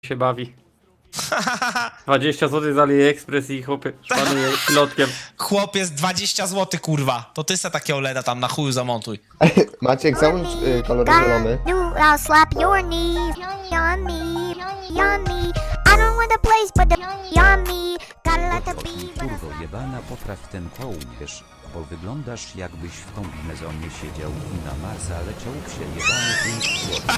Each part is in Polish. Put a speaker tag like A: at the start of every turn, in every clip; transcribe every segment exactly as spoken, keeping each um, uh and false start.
A: się bawi. dwadzieścia złotych z AliExpress i chłopie szpanuje pilotkiem.
B: Chłopiec, dwadzieścia złotych, kurwa. To ty se takie OLEDa tam na chuju zamontuj.
C: Maciek, załóż y, kolor zielony.
D: I'll slap your knees on me, on me. I don't want the place, but the on me. Gotta let the beat.
E: Kurwo jebana, popraw ten kołnierz, bo wyglądasz jakbyś w kombinezonie siedział i na Marsa leciał przejebany pięć złotych.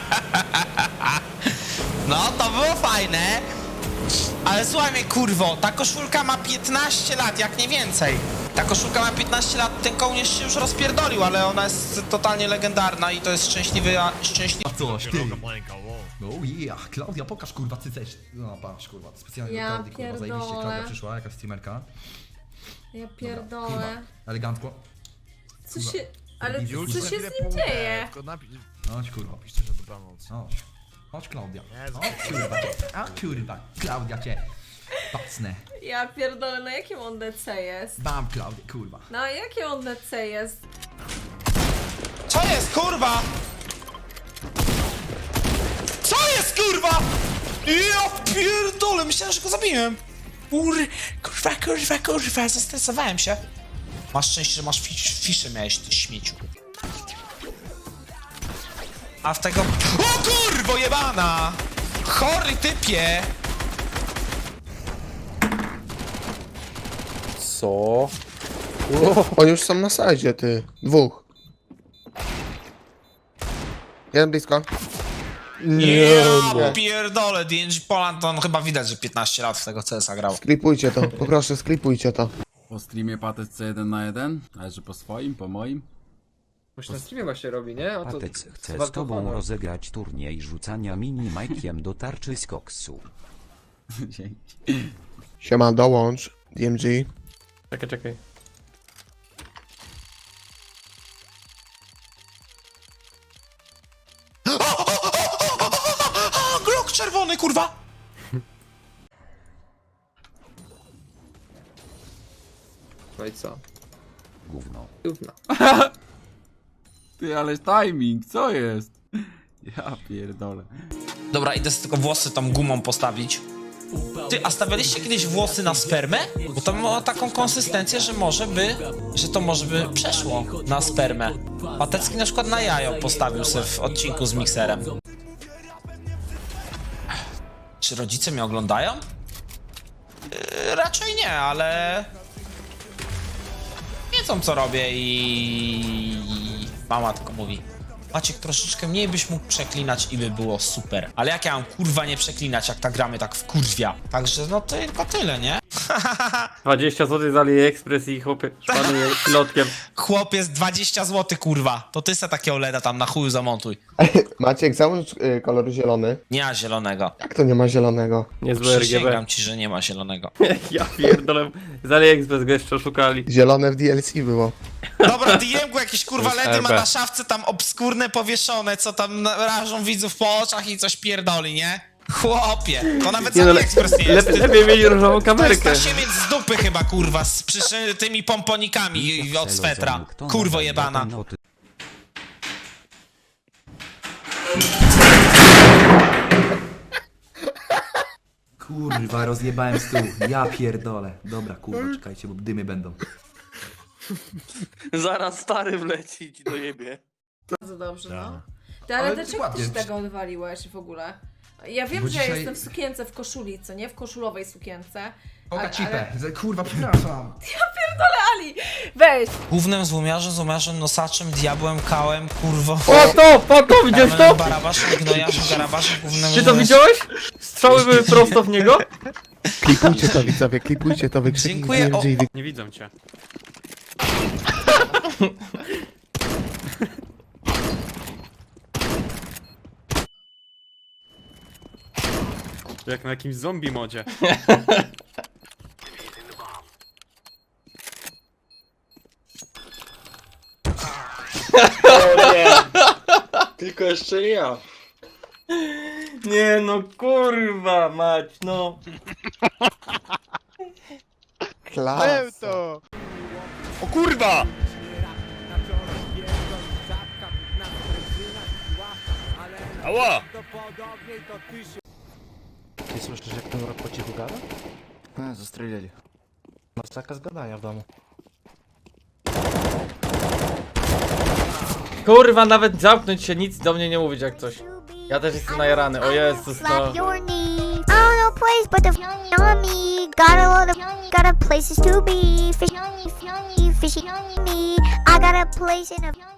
B: No, to było fajne. Ale słuchaj mnie, kurwo, ta koszulka ma piętnaście lat, jak nie więcej. Ta koszulka ma piętnaście lat, ten kołnierz się już rozpierdolił, ale ona jest totalnie legendarna i to jest szczęśliwy, a szczęśliwy...
F: Coś, ty! No yeah, Klaudia, pokaż kurwa cyceć. No patrz kurwa, specjalnie
G: Ja
F: do Klaudii, kurwa,
G: pierdolę.
F: zajebiście Klaudia przyszła, jakaś streamerka.
G: Ja
F: Kurwa,
G: pierdolę.
F: elegancko.
G: Co się... Ale
F: Już
G: co się z nim dzieje?
F: Chodź kurwa,
H: Piszcie, że dobranoc.
F: chodź. Chodź Klaudia. Chodź kurwa, a kurwa, Klaudia cię. Pacnę.
G: Ja pierdolę, na jakim on D C jest?
F: Bam Klaudia, kurwa.
G: Na jakim on D C jest?
B: Co jest, kurwa? Co jest, kurwa? Ja pierdolę, myślałem, że go zabiłem. Kur... Kurwa, kurwa, kurwa, zestresowałem się. Masz szczęście, że masz fisz, fiszę miałeś, ty śmieciu. A w tego... O kurwo jebana! Chory typie!
C: Co? Oni już są na sajdzie, ty. Dwóch. Jeden blisko.
B: Nie,
C: nie.
B: pierdolę, D N G Poland, to on chyba widać, że piętnaście lat w tego C S a grał.
C: Sklipujcie to, poproszę, sklipujcie to.
I: Po streamie Patec C jeden na jeden, ale że po swoim, po moim.
A: Już na streamie właśnie robi, nie? A to...
E: Patec chce
A: chyba
E: z tobą
A: to-
E: rozegrać turniej rzucania mini majkiem do tarczy z koksu.
I: Dzięki.
C: Siema, dołącz. D M G.
A: Czekaj, czekaj.
B: A, Glock czerwony, kurwa!
A: No i co?
E: Gówno.
A: Gówno.
I: Ty, ale timing, co jest? Ja pierdolę.
B: Dobra, idę sobie tylko włosy tą gumą postawić. Ty, a stawialiście kiedyś włosy na spermę? Bo to ma taką konsystencję, że może by, że to może by przeszło na spermę. Patecki na przykład na jajo postawił sobie w odcinku z mikserem. Czy rodzice mnie oglądają? Yy, raczej nie, ale... wiedzą co robię i... mama tylko mówi: Maciek, troszeczkę mniej byś mógł przeklinać i by było super. Ale jak ja mam kurwa nie przeklinać, jak ta gramy tak wkurwia. Także no to tylko tyle, nie?
A: dwadzieścia złotych z AliExpress i chłopie szpanuje pilotkiem.
B: Chłopiec, dwadzieścia złotych, kurwa. To ty se takie OLEDa tam na chuju zamontuj.
C: Maciek, załóż y, kolor zielony.
B: Nie ma zielonego.
C: Jak to nie ma zielonego?
A: Niezłe R G B.
B: Przysięgam ci, że nie ma zielonego.
A: Ja pierdolę. Z AliExpress go jeszcze oszukali.
C: Zielone w D L C było.
B: Dobra, D M-gu jakieś kurwa
A: To jest
B: LEDy ma
A: R B.
B: na szafce tam obskurne powieszone, co tam na- rażą widzów po oczach i coś pierdoli, nie? Chłopie, to nawet
A: Nie
B: z
A: no,
B: AliExpress nie jest.
A: lepiej, lepiej mieli różową
B: To jest
A: kamerkę.
B: tasiemiec z dupy chyba, kurwa, z przyszytymi pomponikami od swetra. Kurwo jebana.
F: Kurwa, rozjebałem stół. Ja pierdolę. Dobra, kurwa, czekajcie, bo dymy będą.
H: Zaraz stary wleci i ci dojebie.
G: Bardzo dobrze, no. Ty, ale
F: Ale
G: dlaczego
F: ładnie.
G: ty się tego odwaliłeś w ogóle? Ja wiem,
F: Bo
G: że ja
F: dzisiaj-
G: jestem w sukience, w koszuli, co nie? W koszulowej sukience.
F: Oka
G: Ale-
F: cipę. Kurwa, przepraszam.
G: Ali, weź!
B: Głównym złomiarzem, złomiarzem, nosaczem, diabłem, kałem, kurwo.
A: O to! O to! Widziałeś to?
B: Barabaszem, gnojarzem, garabarzem, głównym
A: Czy to widziałeś? Strzały były prosto w niego?
C: Klipujcie to, widzowie, klipujcie to, wykrzyknij D
B: Dziękuję,
C: M G.
B: o-
A: Nie widzą cię. Jak na jakimś zombie modzie.
H: O nie! Tylko jeszcze nie ja.
A: Nie no kurwa mać, no.
C: Klasa.
H: O kurwa! Ała!
J: Ty słyszysz, jak ten rok po cichu gada? No, zastrzelili. Masz zakaz gadania w domu.
A: Kurwa, nawet zamknąć się, nic do mnie nie mówić jak coś. Ja też jestem najarany, o Jezus, no.
D: Slap your knee. I don't know place, but the on me. Got a lot of, got a places to be. Fishy, fishy, fishy me. I got a place in a.